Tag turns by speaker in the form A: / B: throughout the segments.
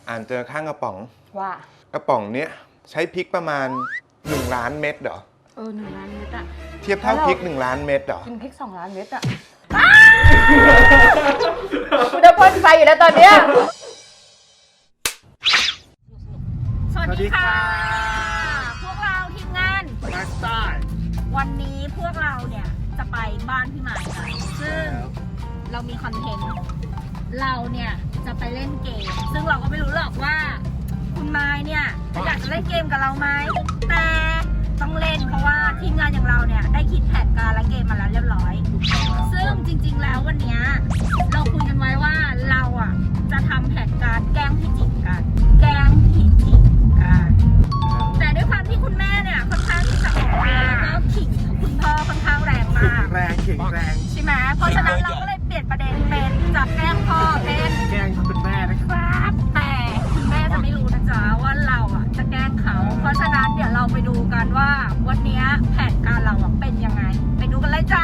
A: อ่านเจอข้างกระป๋อง
B: ว่าก
A: ระป๋องเนี้ยใช้พริกประมาณ1 ล้านเม็ดเหรอ
B: 1 ล้านเม็ดอะ
A: เทียบเท่าพริก1 ล้านเม็ดเหรอ
B: กินพริก2 ล้านเม็ดอะกูจะพ่นไฟอยู่แล้วตอนเนี้ยสวัสดีค่ะพวกเราทีมงานมาสตาร์วันนี้พวกเราเนี่ยจะไปบ้านพี่หมายกันซึ่งเรามีคอนเทนต์เราเนี่ยจะไปเล่นเกมซึ่งเราก็ไม่รู้หรอกว่าคุณไม้เนี่ยอยากจะเล่นเกมกับเราไหมแต่ต้องเล่นเพราะว่าทีมงานอย่างเราเนี่ยได้คิดแผนการและเกมมาแล้วเรียบร้อยซึ่งจริงๆแล้ววันนี้เราคุยกันไว้ว่าเราอ่ะจะทำแผนการแกล้งพี่จิ๋มกันแกล้งพี่จิ๋มกันแต่ด้วยความที่คุณแม่เนี่ยค่อนข้างที่จะออกมาแล้วก็ขิงคุณพ่อค่อนข้างแรงมาก
C: แรง
B: ใช่ไหมเพราะฉะนั้นเราก็เลยเปลี่ยนประเด็นเป็นจับแกล้งพ่อเป็น
C: แกล้งคุณแม่
B: นะครับแต่คุณแม่จะไม่รู้นะจ๊ะว่าเราอ่ะจะแกล้งเขาเพราะฉะนั้นเดี๋ยวเราไปดูกันว่าวันนี้แผนการเราอ่ะเป็นยังไงไปดูกันเลยจ้า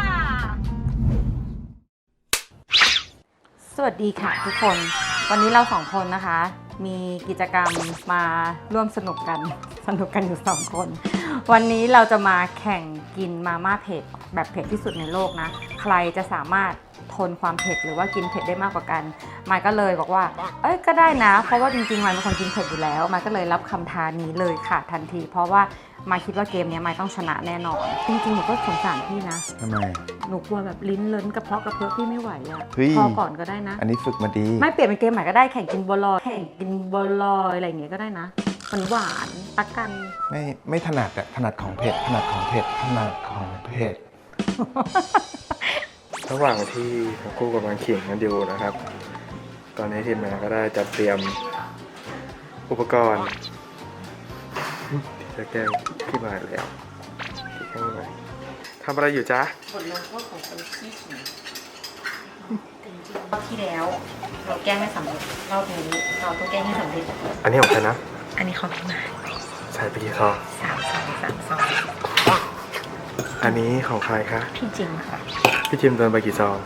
B: สวัสดีค่ะทุกคนวันนี้เรา2 คนนะคะมีกิจกรรมมาร่วมสนุกกันอยู่2 คนวันนี้เราจะมาแข่งกินมาม่าเผ็ดแบบเผ็ดที่สุดในโลกนะใครจะสามารถทนความเผ็ดหรือว่ากินเผ็ดได้มากกว่ากันมายก็เลยบอกว่าก็ได้นะเพราะว่าจริงๆมายเป็นคนกินเผ็ดอยู่แล้วมายก็เลยรับคำท้านี้เลยค่ะทันทีเพราะว่ามายคิดว่าเกมนี้มายต้องชนะแน่นอนจริงๆหนูก็สงสารพี่นะ
A: ทำไม
B: หนูกลัวแบบลิ้นเลิ้นกระเพาะพี่ไม่ไหวอ่ะพอก่อนก็ได้นะ
A: อันนี้ฝึกมาดี
B: ไม่เปลี่ยนเป็นเกมใหม่ก็ได้แข่งกินบัวลอยแข่งกินบัวลอยอะไรอย่างเงี้ยก็ได้นะหวานตักกัน
A: ไม่ถนัดอะถนัดของเผ็ดถนัดของเผ็ด
C: ระหว่างที่ทั้งคู่กำลังขิงกันอยู่นะครับตอนนี้ทีมงานก็ได้จัดเตรียมอุปกรณ์ที่จะแกล้งพี่หมายแล้วที่แกล้งพี่หมายทำอะไรอยู่จ๊ะ
B: บทลงโทษของคนขี้ขิงรอบที่แล้วเราแกล้งไม่สำเร็จรอบนี้เราต้องแกล้งให้สำเร็จ
C: อันนี้ของใครนะ
B: อันนี้ของพี่หมาย
C: ใส่ไปกี่ซอง
B: 3 ซอง
C: อันนี้ของใครคะ
B: พี่จิมค่ะ
C: พี่จิมโดนไปกี่ซอง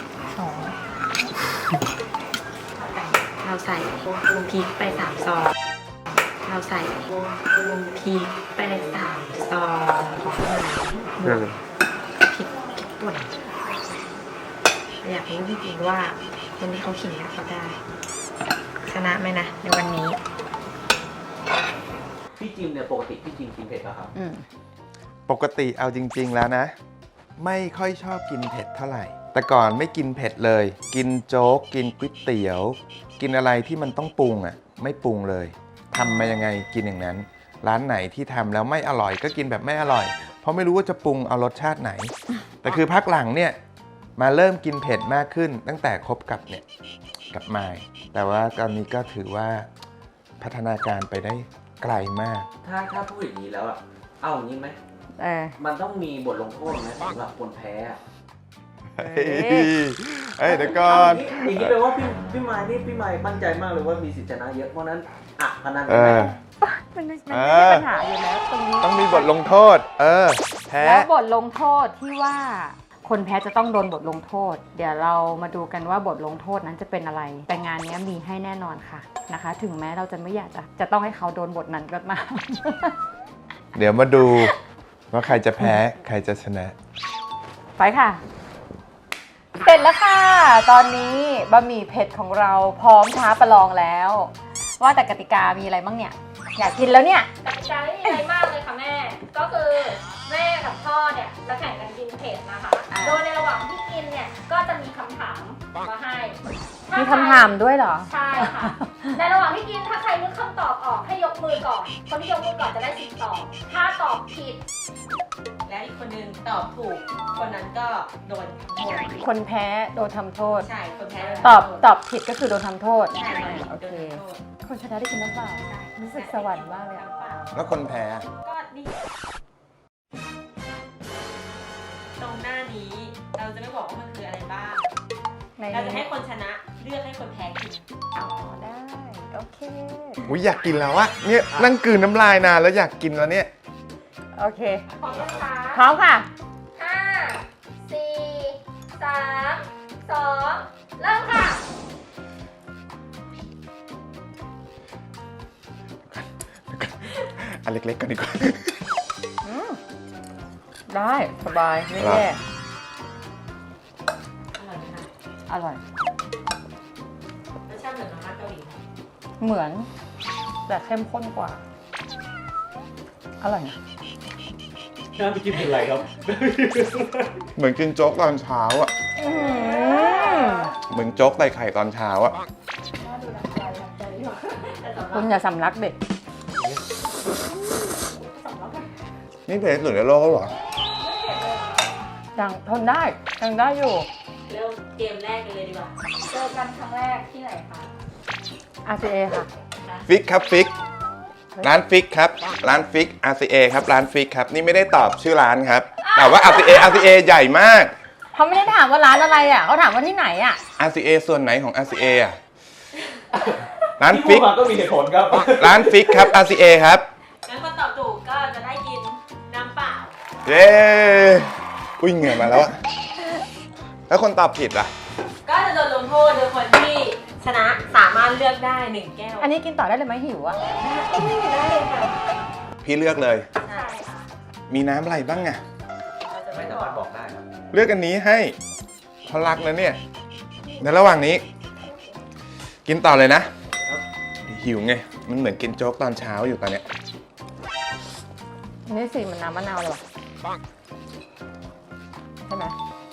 B: 2เราใส่พริกไป3 ซองเราใส่พริกไป3 ซองของพี่หมายพริกป่นอยากรู้จริงๆว่าคนที่เขาขิงเขาได้ชนะไหมนะในวันนี้
D: พี่จิมเนี่ยปกติพี่จิมกินเผ็ดป่ะครับ
A: ปกติเอาจริงๆแล้วนะไม่ค่อยชอบกินเผ็ดเท่าไหร่แต่ก่อนไม่กินเผ็ดเลยกินโจ๊กกินก๋วยเตี๋ยวกินอะไรที่มันต้องปรุงอ่ะไม่ปรุงเลยทำมายังไงกินอย่างนั้นร้านไหนที่ทำแล้วไม่อร่อยก็กินแบบไม่อร่อยเพราะไม่รู้ว่าจะปรุงเอารสชาติไหนแต่คือพักหลังเนี่ยมาเริ่มกินเผ็ดมากขึ้นตั้งแต่คบกับมายแต่ว่าตอนนี้ก็ถือว่าพัฒนาการไปได้ไกลมาก
D: ถ้าพูดอย่างนี้แล้วเอาอย่างนี้ไหมมันต้องมีบทลงโทษไหมสำหรับคนแพ้
A: เดี๋ยวก่อน
D: อย่างนี้แปลว่าพี่ไม้นี่พี่ไม้มั่นใจมากเลยว่ามีสิทธิชนะเยอะเพราะนั้นพนันกันไหม
B: มันไม่ใช่ปัญหาอยู่แล้วตรงนี้
A: ต้องมีบทลงโทษแพ้
B: แล้วบทลงโทษที่ว่าคนแพ้จะต้องโดนบทลงโทษเดี๋ยวเรามาดูกันว่าบทลงโทษนั้นจะเป็นอะไรแต่งานนี้มีให้แน่นอนค่ะนะคะถึงแม้เราจะไม่อยากจะต้องให้เขาโดนบทนั้นก็มา
A: เดี๋ยวมาดูว่าใครจะแพ้ใครจะชนะ
B: ไปค่ะเสร็จแล้วค่ะตอนนี้บะหมี่เผ็ดของเราพร้อมท้าประลองแล้วว่าแต่กติกามีอะไรบ้างเนี่ยอยากกินแล้วเนี่ย
E: กติกาไม่มีอะไรมากเลยค่ะแม่ก็คือแม่กับพ่อเนี่ยจะแข่งกันกินเผ็ดนะคะโดยในระหว่างที่กินเนี่ยก็จะมีคำถามมาให้
B: มีคำถามด้วยเหรอ
E: ใช่ค่ะในระหว่างที่กินถ้าใครนึกคำตอบออกให้ยกมือก่อนคนที่ยกมือก่อนจะได้สิทธิ์ตอบถ้าตอบผิด
F: และอีกคนนึงตอบถูกคนนั้นก็โดนทำโทษ
B: คนแพ้โดนทำโทษ
F: ใช่คนแพ้
B: ตอบผิดก็คือโดนทำโทษ
F: ใช่
B: โอเคคนชนะได้กินน้ำเปล่ารู้สึกสวรรค์มากเลย
A: แล้วคนแพ้
F: ก็นี่ตรงหน้านี้เราจะไม่บอกว่ามันคืออะไรบ้างเราจะให้คนชนะเลือกให้คนแพ้กิน
B: ได้โอเค
A: อยากกินแล้วอะเนี่ยนั่งกลืนน้ำลายนานแล้วอยากกินแล้วเนี่ย
B: โอเค
E: พร้อมนะคะ
B: พร้อมค่ะ
E: 5 4 3 2เริ่มค่ะ
A: นเล็กๆกันดีกว่า
G: ได้สบายไม่แย่
F: อร่อยไหมคะ
G: อร่อย
F: รสชาติเหมือนมาม่าเกาหลีไหม
G: เหมือน แต่เข้มข้นกว่า อร่อยนะ
D: น่าไปกินเป็นไรครับ
A: เหมือนกินโจ๊กตอนเช้าอ่ะ เหมือนโจ๊กใส่ไข่ตอนเช้าอ่ะ
G: คุณอย่าสำลักเด็ก
A: นี่เผ็ดที่สุดในโลกแล้วเหรอ
G: ยังทนได้ยังได้อยู่
F: เริ่มเกมแรกกันเลยดีกว่า
B: เจอกันครั้งแรกที่ไหนคะ
G: RCA ค่ะ
A: ฟิกครับฟิก ร้านฟิกครับ ร้านฟิก RCA ครับ ร้านฟิกครับ นี่ไม่ได้ตอบชื่อร้านครับ แต่ว่า RCA ใหญ่มาก
G: เขาไม่ได้ถามว่าร้านอะไรอ่ะเขาถามว่าที่ไหนอ่ะ
A: RCA ส่วนไหนของ RCA อ่ะ ร้านฟิก
D: ก็มีเหตุผลครับ
A: ร้านฟิกครับ RCA ครับ
F: งั้นคนตอบถูกก็จะได้กินน้ำเปล่า
A: เย้อุ้ยเหงื่อมาแล้วอะแล้วคนตอบผิดล่ะ
F: ก็จะโดนลงโทษโดยคนที่ชนะสามารถเลือกได้1แก้ว
G: อันนี้กินต่อได้เลยไหมหิวอ่ะ
F: ได้เลยค่ะ
A: พี่เลือกเลย
F: ใช่ค่ะ
A: มีน้ำอะไรบ้างอะ
F: เราจะ
D: ไม่
F: ไม่
D: สา
F: บอ
D: มาร
F: ก
D: ถบอกได้ครับ
A: เลือกอันนี้ให้เขารักนะเนี่ย ในระหว่างนี้ กินต่อเลยนะ หิวไง มันเหมือนกินโจ๊กตอนเช้าอยู่ตอนเนี้ย
G: อันนี้สีมันน้ำมะนาวเลยว่ะใช่ไหม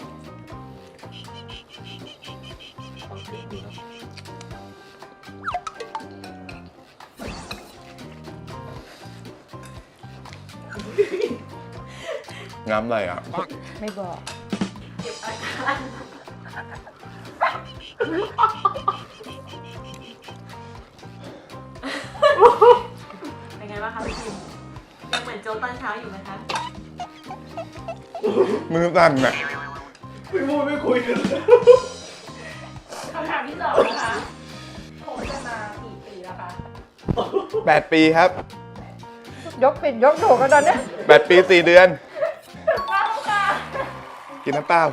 A: น้ำอะไรอ่ะ
G: ไม่บอก
F: เป็นไงบ้างคะพี่คิมยังเหมือนโจ๊กตอนเช้าอยู่ไหมคะ
A: มือสั่นอ่ะ
B: คำถามที่สองนะคะคบกันมากี่ปีแล้วคะ
A: 8 ปีครับ
G: ยกปิดยกถูกกันตอนเนี้ย
A: 8 ปี 4 เดือน
B: เข้าค่ะ
A: กินน้ำเปล่า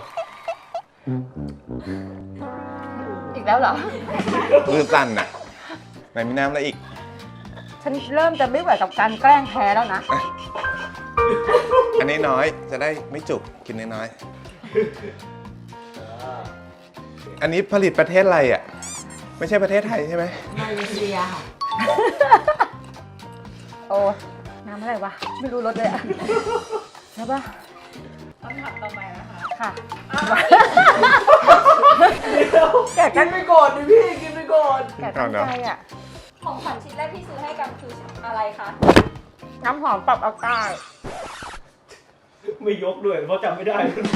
G: อีกแล้วเหรอ
A: มือสั่นอ่ะ ไหนมีน้ำอะไรอีก
G: ฉันเริ่มจะไม่ไหวกับการแกล้งแพ้แล้วนะ
A: อันนี้น้อย จะได้ไม่จุก กินน้อยๆอันนี้ผลิตประเทศอะไรอ่ะ ไม่ใช่ประเทศไทยใช่ไหม
F: มาเลเซียค่ะ
G: โอ้น้ำอะไรวะ ไม่รู้รสเลยอ่ะใช่ปะ
B: คำถามต่อไปนะคะ
G: ค่ะ
D: แกกินไปก่อนดิพี่ กินไปก่อน
G: แกตั้งใจอ่ะ
B: ของขวัญชิ้นแรกที่ซื้อให้กันคืออะไรคะ
G: น้ำหอมปรับอากาศ
D: ไม่ยกด้วยเพราะจำไม่ได้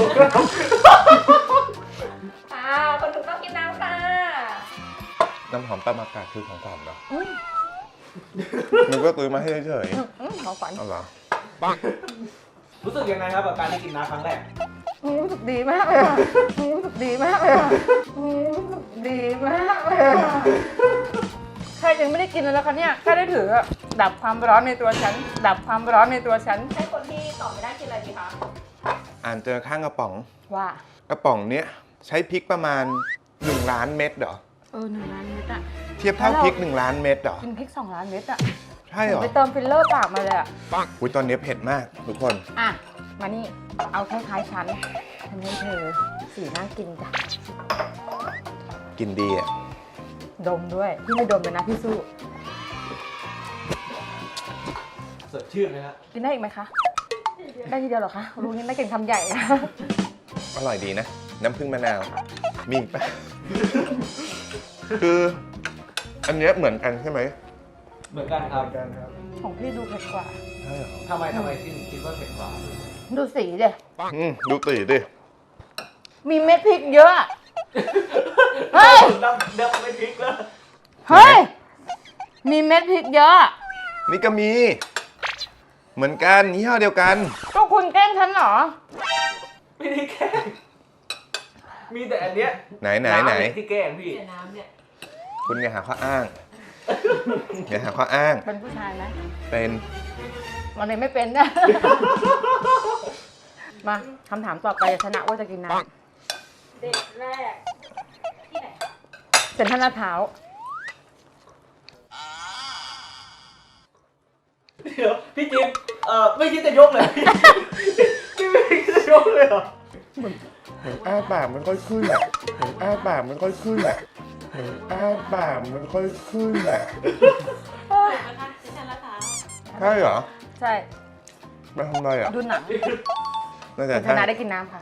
B: คนถูกต้องกินน้ำค่ะ
A: น้ำหอมปรับอากาศคือของขวัญเหรอนึกว่าซื้อมาให้เฉย
G: ของขวัญ
A: ๆเอาเหรอ
D: รู้สึกยังไงครับกับการได้กินน้ำครั้งแรก
G: รู้สึกดีมากเลยอะรู้สึกดีมากเลยอะรู้สึกดีมากเลยอะแค่ยังไม่ได้กินเลยนะคะเนี่ยแค่ได้ถืออะดับความร้อนในตัวฉัน ดับความร้อนในตัวฉัน
B: ให้คนที่ตอบไม่ได้กินอะไรดีคะ
A: อ่านเจอข้างกระป๋อง
G: ว่า
A: กระป๋องเนี้ยใช้พริกประมาณ1 ล้านเม็ดเหรอ
G: 1 ล้านเม็ดอะ
A: เทียบเท่าพริก1 ล้านเม็ดเหรอ
G: กินพริก2 ล้านเม็ดอะ
A: ใช่เหรอ
G: ไปเติมฟิลเลอร์ปากมาเลยอะ
A: อุ้ยตอนนี้เผ็ดมากทุกคน
G: อ่ะ มานี่ เอาคล้ายๆฉันทำให้เธอสีน่ากินจ้ะ
A: กินดีอ่ะ
G: ดมด้วย พี่ไม่ดมเลยนะพี่สู้
D: สดชื่นไหมครับ
G: กินได้อีกไหมคะ ได้ทีเดียวเหรอคะรู้งี้ไม่กินคำใหญ่นะ
A: อร่อยดีนะ น้ำผึ้งมะนาว มีอีกปะ คือ อันเนี้ยเหมือนกันใช่ไหม
D: เหมือนกันครับ
G: ของพี่ดูเผ็ดกว่า
A: ใช่เหรอ
D: ทำไมคิดว่าเผ็ดกว่า
G: ดูสีเดย
A: ดูตีดิ
G: มีเม็ดพริกเยอะ เฮ้ย
D: เดิมไม่พริกแล้ว
G: เฮ้ย มีเม็ดพริกเยอะ
A: นี่ก็มี เหมือนกันยี่ห้อเดียวกัน
G: ก็คุณแกล้งฉันเหรอ
D: ไม่ได้แกล้งมีแต่อันเนี้ย
A: ไหน
D: น้ำที่แกล้งพี่
F: เสียน้ำเนี่ย
A: คุณอย่าหาข้ออ้าง อย่าหาข้ออ้าง
G: เป็นผู้ชายไหม
A: เป็น
G: วันนี้ไม่เป็นนะ มาคำถามต่อไปชนะว่าจะกินน้
B: เด็กแรกที่ไหนคะ
G: ำเซ็นทรัลลาดพร้าว
D: เดี๋ยวพี่จิมไม่คิดจะยกเลยพี่ไม่คิดจะยกเลยเหรอ
A: อ้าปากมันค่อยขึ้นอ่ะอ้าปากมันค่อยขึ้นอ่ะอ้าปากมันค่อยขึ้นอ่ะ
F: ถูกไหมคะดิฉันละเท้า
A: ใช่เหรอ
G: ใช่
A: มาทำอะไรอ่ะ
G: ดูหนัง
A: น่าจะ
G: คุณช
A: ใช่
G: นะได้กินน้ำค่ะ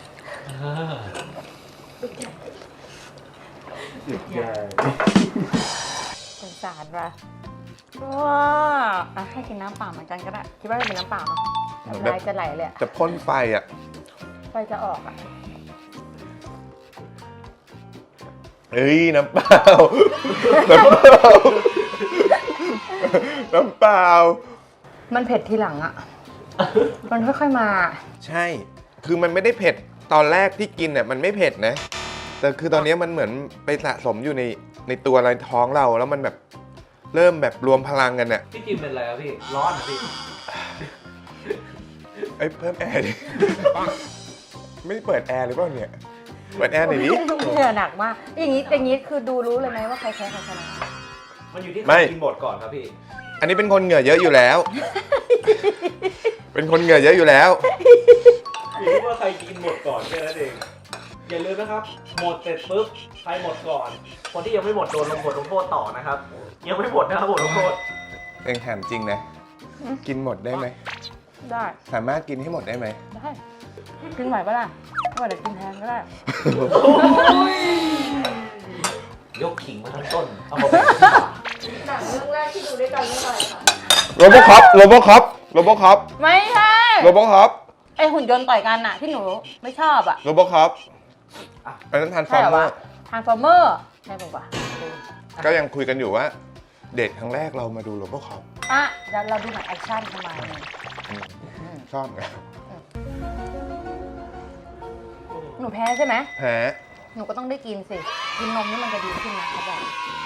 G: สงสารว่ะว้าอ่ะให้กินน้ำเปล่าเหมือนกันก็ได้ คิดว่าจะเป็นน้ำเปล่าเนาะน้ำลายจะไหลเลยอะ
A: จะพ่นไฟอ่ะ
G: ไฟจะออกอะ
A: เฮ้ยน้ำเปล่า น้ำเปล่า น้ำเปล่า
G: มันเผ็ดทีหลังอะมันค่อยๆมา
A: ใช่ คือมันไม่ได้เผ็ด ตอนแรกที่กินเนี่ยมันไม่เผ็ดนะ แต่คือตอนนี้มันเหมือนไปสะสมอยู่ในตัวในท้องเรา แล้วมันแบบเริ่มแบบรวมพลังกันเนี่ย
D: พี่จิมเป็นอะไรครับพี่ ร้อนเหรอพี่
A: เอ้ยเพิ่มแอร์ดิ ไม่ได้เปิดแอร์หรือเปล่าเนี่ย เปิดแอร์หน่อยดิ
G: เหงื่อหนักมาก อย่างนี้คือดูรู้เลยไหมว่าใครแพ้ใครชนะ
D: มันอยู่ที่
A: ไม่
D: ใครกินหมดก่อนครับพี่
A: อันนี้เป็นคนเหงื่อเยอะอยู่แล้ว เป็นคนเหงื่อเยอะอยู่แล้ว
D: อยู่ที่ว่าใครกินหมดก่อนแค่นั้นเอง อย่าลืมนะครับ หมดเสร็จปุ๊บ ใครหมดก่อน คนที่ยังไม่หมดโดนลงโทษต่อนะครับ ยังไม่หมดนะครับบทลงโทษ
A: เองถามจริงนะ กินหมดได้ไหม
G: ได้
A: สามารถกินให้หมดได้ไหม
G: ได้กินไหวปะล่ะไม่ไหวเดี๋ยวกินแทนก็ได้
D: ยกขิงมาทั้งต้น เอามาเป็น
B: หนังเรื่องแรกที่ดูด้วยกันเรื่องอะไรคะ
A: โรโบคอปโรโบคอปโรโบคอป
G: ไม่ใช่
A: โรโบคอป
G: ไอหุ่นยนต์ต่อยกันอะที่หนูไม่ชอบอะ
A: โรโบคอปอันนั้นทานฟอ
G: ใช่
A: ร์
G: เหรอ
A: เมอ
G: วะ
A: ร์
G: ทานฟอร์เมอร์ใช่ป่าวะ
A: ก็ยังคุยกันอยู่ว่า เดทครั้งแรกเรามาดูโรโบคอป
G: อ่ะเดี๋ยวเราดูหนังแอคชั่นทำไม
A: ชอบไง
G: หนูแพ้ใช่ไหม
A: แพ้
G: หนูก็ต้องได้กินสิ กินนมนี่มันจะดีขึ้นนะเขาบอก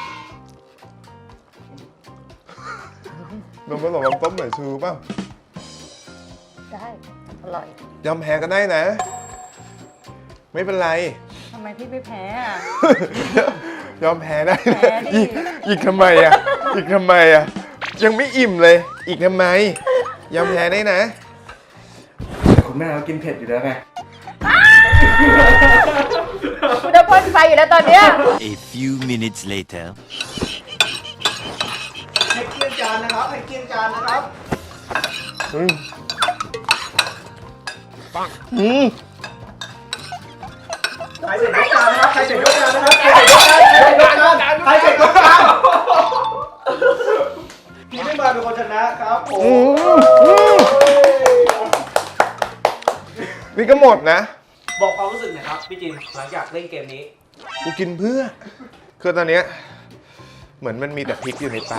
A: นมผสมน้ำต้มหน่อยชูป่ะ
G: ได้ อร่อย
A: ยอมแพ้ก็ได้นะ ไม่เป็นไร
G: ทำไมพี่ไม่แพ้อะ
A: ยอมแพ้ได้
G: แพ้
A: นะ
G: ดิ
A: อีกทำไมอ่ะ อีกทำไมอ่ะ ยังไม่อิ่มเลย อีกทำไม ยอมแพ้ได้นะ
C: คุณแม่เขากินเผ็ดอยู่แล้วไง
G: กูจะพ่นไฟอยู่แล้วตอนเนี้ย
H: A few minutes later.
D: ให้เกียงจานนะครับ ให้เกียงจานนะครับ
A: อืมอืม
D: ใครเสร็จยกจานนะครับ ใครเสร็จยกจานนะครับ ใครเสร็จยกจาน ใครเสร็จยกจานพี่ไม่มาเป็นคนชนะครับผม
A: นี่ก็หมดนะ
D: บอกความรู้สึกหน่อยครับพี่จินหลังจากเล่นเกมนี้
A: กูกินเพื่อ คือตอนเนี้ยเหมือนมันมีแต่พริกอยู่ในปาก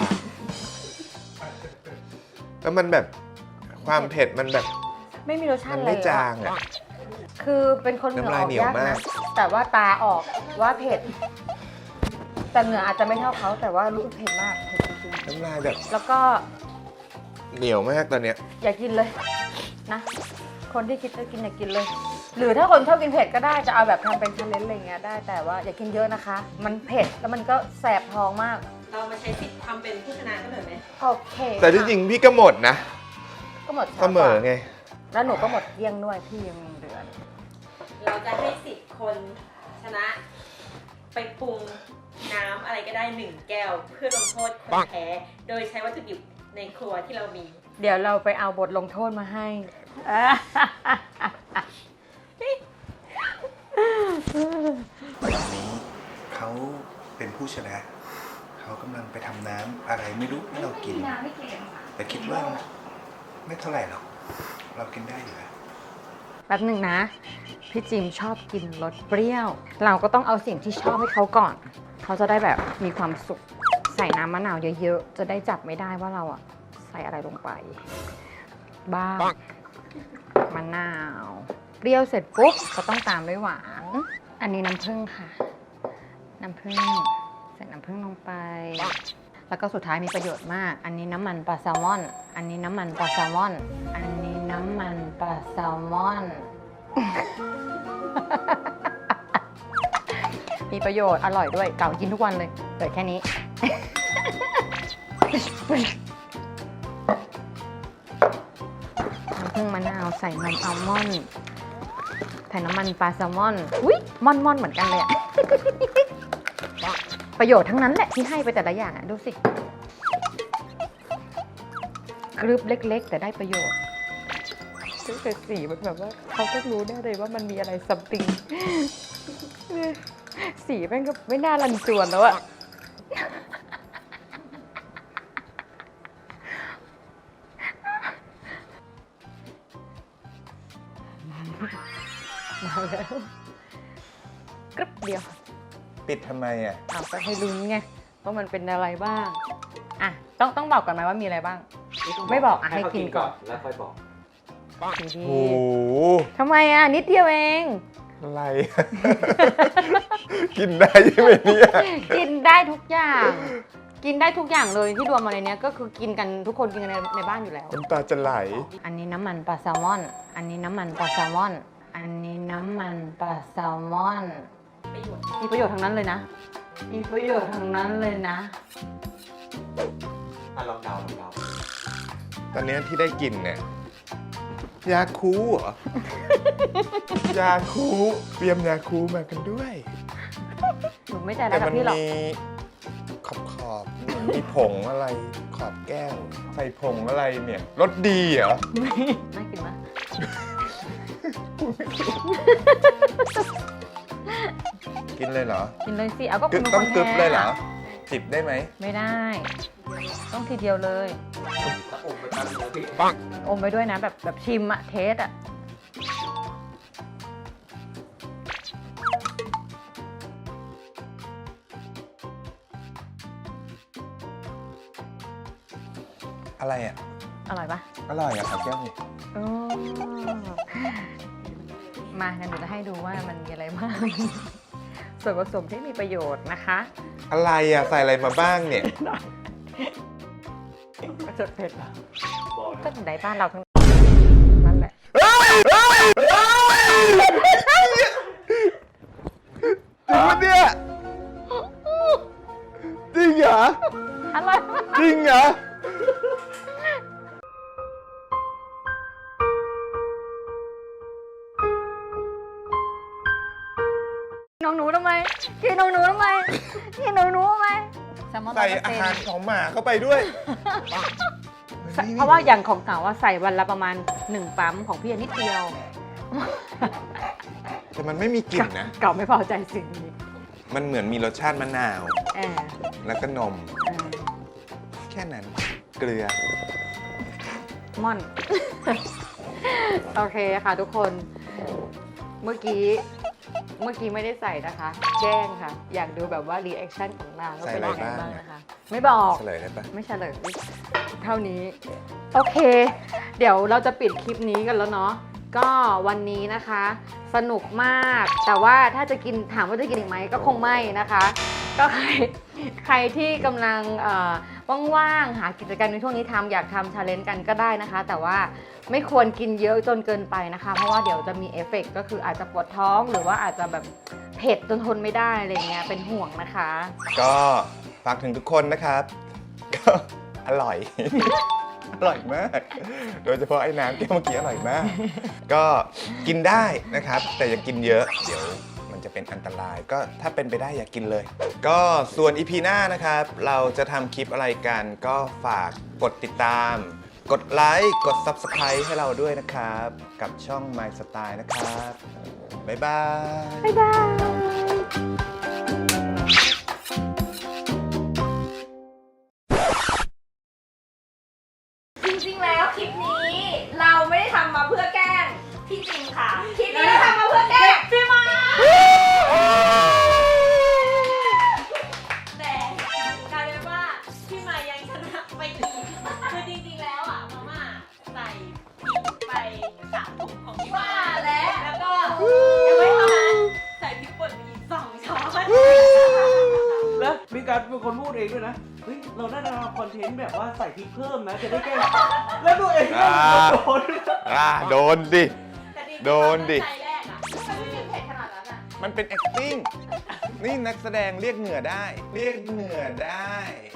A: แล้วมันแบบความเผ็ดมันแบบ
G: ไม่มีรสชา
A: มั
G: ติ
A: น
G: อะไร
A: ไม่
G: เลย
A: จา
G: อะ
A: งอ่ะ
G: คือเป็นคนเหงื่อ
A: น้ำ
G: อ
A: ลาย
G: อก
A: เหนียวย
G: าก
A: มาก
G: นะ แต่ว่าตาออกว่าเผ็ด แต่เหงื่ออาจจะไม่เท่าเขาแต่ว่ารู้สึกเผ็ดมากเผ็ดจริง
A: น้ำลายแบบ
G: ๆแล้วก็
A: เหนียวมากตอนเนี้ย
G: อย่ากินเลยนะ คนที่คิดจะกินอย่ากินเลย หรือถ้าคนชอบกินเผ็ดก็ได้จะเอาแบบทำเป็นชาเลนจ์อะไรเงี้ยได้แต่ว่าอย่ากินเยอะนะคะ มันเผ็ดแล้วมันก็แสบท้องมาก
F: เรามาใช้สิทธิ์ทำเป็นผู้ชนะกันหน่อยไหม
G: โอเค
A: แต่ที่จริงพี่ก็หมดนะ
G: ก็หมดช้า
A: เสมอไง
G: แล้วหนูก็หมดเกลี้ยงด้วยพี่ยังเหลือ
F: เราจะให้สิทธิ์คนชนะ ไปปรุงน้ำอะไรก็ได้1 แก้ว เพื่อลงโทษคนแพ้ โดยใช้วัตถุดิบในครัวที่เรามี
G: เดี๋ยวเราไปเอาบทลงโทษมาให้
A: วันนี้เขาเป็นผู้ชนะ เขากำลังไปทำน้ำอะไรไม่รู้ให้เรากิน แต่คิดว่าไม่เท่าไหร่หรอก เรากินได้อยู่แล้ว
G: แป๊บหนึ่งนะ พี่จิมชอบกินรสเปรี้ยว เราก็ต้องเอาสิ่งที่ชอบให้เขาก่อน เขาจะได้แบบมีความสุข ใส่น้ำมะนาวเยอะๆ จะได้จับไม่ได้ว่าเราอะใส่อะไรลงไป บ้างมะนาว เปรี้ยวเสร็จปุ๊บก็ต้องตามด้วยหวาน อันนี้น้ำผึ้งค่ะ น้ำผึ้งใส่น้ำผึ้งลงไป แล้วก็สุดท้ายมีประโยชน์มาก อันนี้น้ำมันปลาแซลมอน อันนี้น้ำมันปลาแซลมอน อันนี้น้ำมันปลาแซลมอน มีประโยชน์อร่อยด้วยเก่ากินทุกวันเลยเปิดแค่นี้พึ่งมะนาวใส่นมอัลมอนด์ใส่น้ำมันปลาแซลมอนอุ้ยม่อนเหมือนกันเลยอะ ประโยชน์ทั้งนั้นแหละที่ให้ไปแต่ละอย่างอะดูสิกรึบเล็กๆ แต่ได้ประโยชน์แต่สีมันแบบว่าเขาก็รู้ได้เลยว่ามันมีอะไรซัมติง สีแม่งก็ไม่น่ารันจวนแล้วอะมาแล้วกรึบเดียว
A: ปิดทำไมอ่ะ
G: เอาก็ให้ลุ้นไงว่ามันเป็นอะไรบ้างอ่ะต้องบอกก่อนไหมว่ามีอะไรบ้าง ไม่บอกอ่ะให้กินก่อน
D: แล้วค่อยบอก
G: ดี
A: โอ้โห
G: ทำไมอ่ะนิดเดียวเอง
A: อะไร กินได้ใช่ไหมเนี่ย
G: กินได้ทุกอย่าง กินได้ทุกอย่างเลยที่รวมมาในเนี้ยก็คือกินกันทุกคนกินกันในบ้านอยู่แล้ว
A: น้ำตาจะไหล
G: อันนี้น้ำมันปลาแซลมอน อันนี้น้ำมันปลาแซลมอน อันนี้น้ำมันปลาแซลมอน มีประโยชน์ทั้งนั้นเลยนะ มีประโยชน์ทั้งนั้นเลยนะ
D: ลองเดา
A: ตอนนี้ที่ได้กินเนี่ย ยาคูเหรอ ยาคูเตรียมยาคูมากันด้วย
G: หนูไม่ใจร้า
A: แต่
G: ยกั
A: มั
G: บ
A: น
G: พี่หรอก
A: มีขอบมีผงอะไรขอบแก้ว ใส่ผงอะไรเนี่ยรสดีเหรอ
G: น่ากินมาก
A: กินเลยเหรอ
G: กินเลยสิ เอาก็
A: กึ
G: คุณ
A: บ
G: เป็น
A: ต้อง
G: คน
A: กึบเลยเหรอ
G: แพ้
A: จิบได้ไหม
G: ไม่ได้ ต้องทีเดียวเลย
D: ถ้าอมไปตั้งแล้วพี่
G: อมไปด้วยนะแบบชิมอะเทสอะ
A: อะไรอ่ะ
G: อร่อยปะ
A: อร่อยอ่ะเอาแก้วนี่
G: อ๋อมาเดี๋ยวหนูจะให้ดูว่ามันมีอะไรบ้าง ส่วนผสมที่มีประโยชน์นะคะ
A: อะไรอ่ะใส่อะไรมาบ้างเนี่ย
G: ก็จะเผ็ดเหรอ
D: บอก
G: ก็ในบ้านเราทั้งนั่นแหละ
A: จริงปะเนี่ยจริงเหรอ
G: อร่อยมาก
A: จริงเหรอ
G: น้องหนูทำไมกินน้องหนูทำไมกินน้องหนูทำไมแซลมอน
A: ใส่อาหารของหมาเข้าไปด้วย
G: เพราะว่าอย่างของเก่าว่าใส่วันละประมาณ1 ปั๊มของพี่นิดเดียว
A: แต่มันไม่มีกลิ่นนะ
G: เก่าไม่พอใจสิ่งนี้
A: มันเหมือนมีรสชาติมะนาว
G: แอบ
A: แล้วก็นม แค่นั้น เกลือ
G: ม่อน โอเคค่ะทุกคน เมื่อกี้ไม่ได้ใส่นะคะ แกล้งค่ะ อยากดูแบบว่ารีแอคชั่นของนางว่าเป็นยังไงบ้างนะคะ ไม่บอก
A: เฉลยได้ปะ
G: ไม่เฉลยเท่านี้ โอเค เดี๋ยวเราจะปิดคลิปนี้กันแล้วเนาะก็วันนี้นะคะ สนุกมาก แต่ว่าถ้าจะกินถามว่าจะกินอีกไหมก็คงไม่นะคะ ก็ใครที่กำลังว่างๆหากิจกรรมในช่วงนี้ทำอยากทำชาเลนจ์กันก็ได้นะคะ แต่ว่าไม่ควรกินเยอะจนเกินไปนะคะ เพราะว่าเดี๋ยวจะมีเอฟเฟกต์ก็คืออาจจะปวดท้องหรือว่าอาจจะแบบเผ็ดจนทนไม่ได้อะไรเงี้ยเป็นห่วงนะคะ
A: ก็ฝากถึงทุกคนนะครับ ก็อร่อย อร่อยมาก โดยเฉพาะไอ้น้ำแก้วเมื่อกี้อร่อยมาก ก็กินได้นะครับ แต่อย่ากินเยอะ เดี๋ยวมันจะเป็นอันตราย ก็ถ้าเป็นไปได้อย่ากินเลย ก็ส่วน EP หน้านะครับ เราจะทำคลิปอะไรกัน ก็ฝากกดติดตาม กดไลค์ กด Subscribe ให้เราด้วยนะครับ กับช่อง My Style นะครับ บ๊ายบาย
G: บ๊ายบาย
B: จริงๆ แล้วคลิปนี้เราไม่ได้ทำมาเพื่อแกล้งพี่จิมค่ะ คลิปนี้เราทำมาเพื่อแกล้งพี่มาแต่กลายเป็นว่าพี่มายังชนะไปอีกคือจริงๆ แล้วอ่ะมาม่าใส่พริกไป3 ถุงของพี่มาแล้วก็ยังไม่เท่านั้นใส่พริกป่นไปอีก2 ช้อน
D: แล้วมีการเป็นคนพูดเองด้วยนะ เฮ้ย เราได้ทำคอนเทนต์แบบว่าใส่พริกเพิ่มนะ จะได้แก้ แล้วตัวเองก็โดน
A: โดนดิ
B: แต่จริงๆ
A: โดนดิ
B: ใจแรกอ่ะมันไม่ได้เผ็ดขนาดนั้นอ่ะ
A: มันเป็น acting นี่นักแสดงเรียกเหงื่อได้ เรียกเหงื่อได้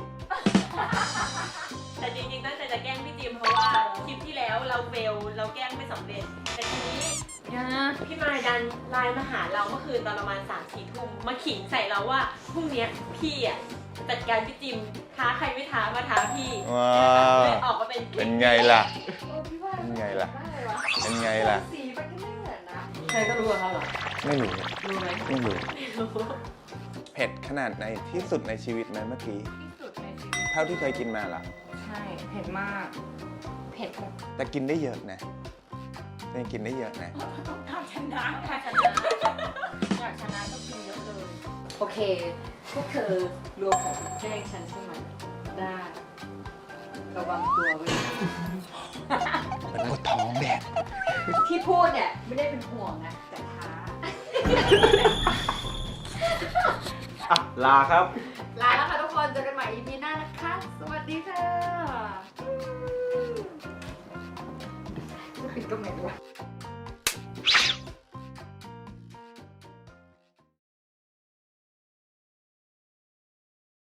F: แต่จริงๆตั้งใจจะแกล้งพี่จิมเพราะว่าคลิปที่แล้วเราเฟลเราแกล้งสำเร็จ แต่ทีนี้พี่มายดันไลน์มาหาเราเมื่อคืนตอนประมาณ3-4 ทุ่มมาขิงใส่เราว่าพรุ่งเนี้ยพี่อ่ะจัดการพี่จิมท้าใครไม่ท้ามาท้าพี่
A: ว้า
F: เลยออกมาเป็นคลิป
A: เป็นไงล่ะ เป็นไงล่ะ เป็นไงล่ะ
G: สีมันก็ไม่เหมือนนะ
F: ใครก็รู้เขาเหรอ
A: ไม่รู้
F: รู้ไหม
A: ไม่รู้
F: ไม่รู้
A: เผ็ดขนาดไหนที่สุดในชีวิตไหมเมื่อกี้
G: ที่สุดในชีวิต
A: เท่าที่เคยกินมาล่ะ
G: ใช่ เผ็ดมาก เผ็ดแบบ
A: แต่กินได้เยอะนะยังกินได้เยอะนะ
B: ทำชนะ
F: ถ้าชนะ
G: อยากชนะก็กินเยอะเลย
F: โอเค พวกเธอรวมผมแกล้งฉันใช่ไหมได้ ระวังตัวไว้
A: มันปวดท้องแดด
F: ที่พูดเนี่ยไม่ได้เป็นห่วงนะ แต่ท้า
D: อ่ะ ลาครับ
G: ลาแล้วค่ะทุกคน เจอกันใหม่ EP หน้านะคะ สวัสดีค่ะจะปิดก็ไม่รู้